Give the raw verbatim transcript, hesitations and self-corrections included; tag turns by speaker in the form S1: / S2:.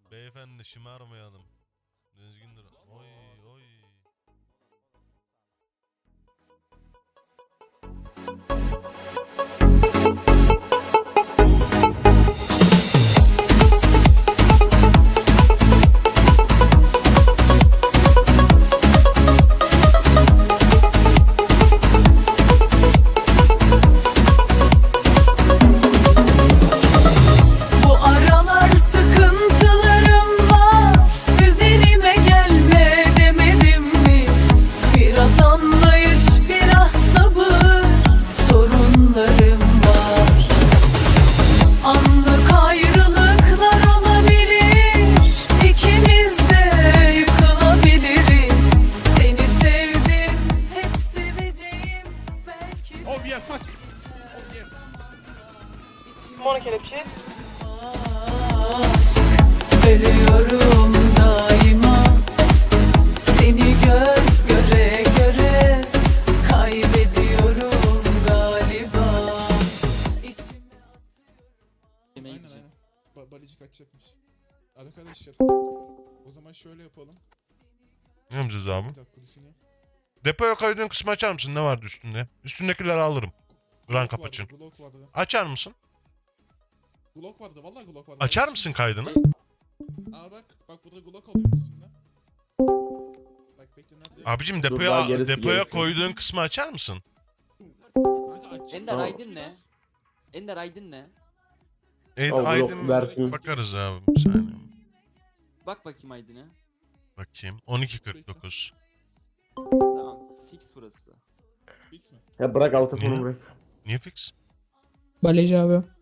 S1: Beyefendi şımarmayalım. Düzgün dur. Oy oy.
S2: Bu aralar sıkıntılarım var. Üzerime gelme demedim mi? Biraz anlayış, biraz sabır. Sorunlarım var. Anlık ayrılıklar olabilir. İkimiz de yıkılabiliriz. Seni sevdim, hep seveceğim. Belki de
S3: Oh yeah, fuck. Oh yeah.
S4: Mono kelepçe.
S2: aşk. Ölüyorum daima. Seni göz göre göre kaybediyorum galiba. İçime
S3: Aynen aynen. Ba balıcı kaçacakmış. Arkadaşlar. O zaman şöyle yapalım.
S1: Ne yapacağız abi?
S3: Bir dakika düşüneyim.
S1: Depoya koyduğun kısmı açar mısın? Ne vardı üstünde? Üstündekileri alırım. Rank up
S3: Glock
S1: için.
S3: vardı, Glock vardı.
S1: Açar mısın?
S3: Glock vardı, vallahi Glock vardı.
S1: Açar
S3: Bak
S1: mısın
S3: şimdi.
S1: kaydını?
S3: Aa bak, bak burada Glock alıyor üstünde. Bak bekle nerede?
S1: Abicim
S5: daha
S1: depoya
S5: gerisi,
S1: depoya
S5: gerisi.
S1: koyduğun kısmı açar mısın?
S3: Kanka aç.
S6: Ender
S5: Tamam.
S6: Aydın ne? Ender Aydın ne?
S1: E,
S5: Al,
S1: Aydın
S5: blok versin.
S1: bakarız abi bir saniye.
S6: Bak bakayım Aydın'a.
S1: Bakayım. on iki kırk dokuz.
S6: Tamam. Fix burası.
S3: Fix mi?
S5: Ya bırak altı
S1: Niye?
S5: fonu bırak.
S1: Niye fix?
S7: Baleci abi.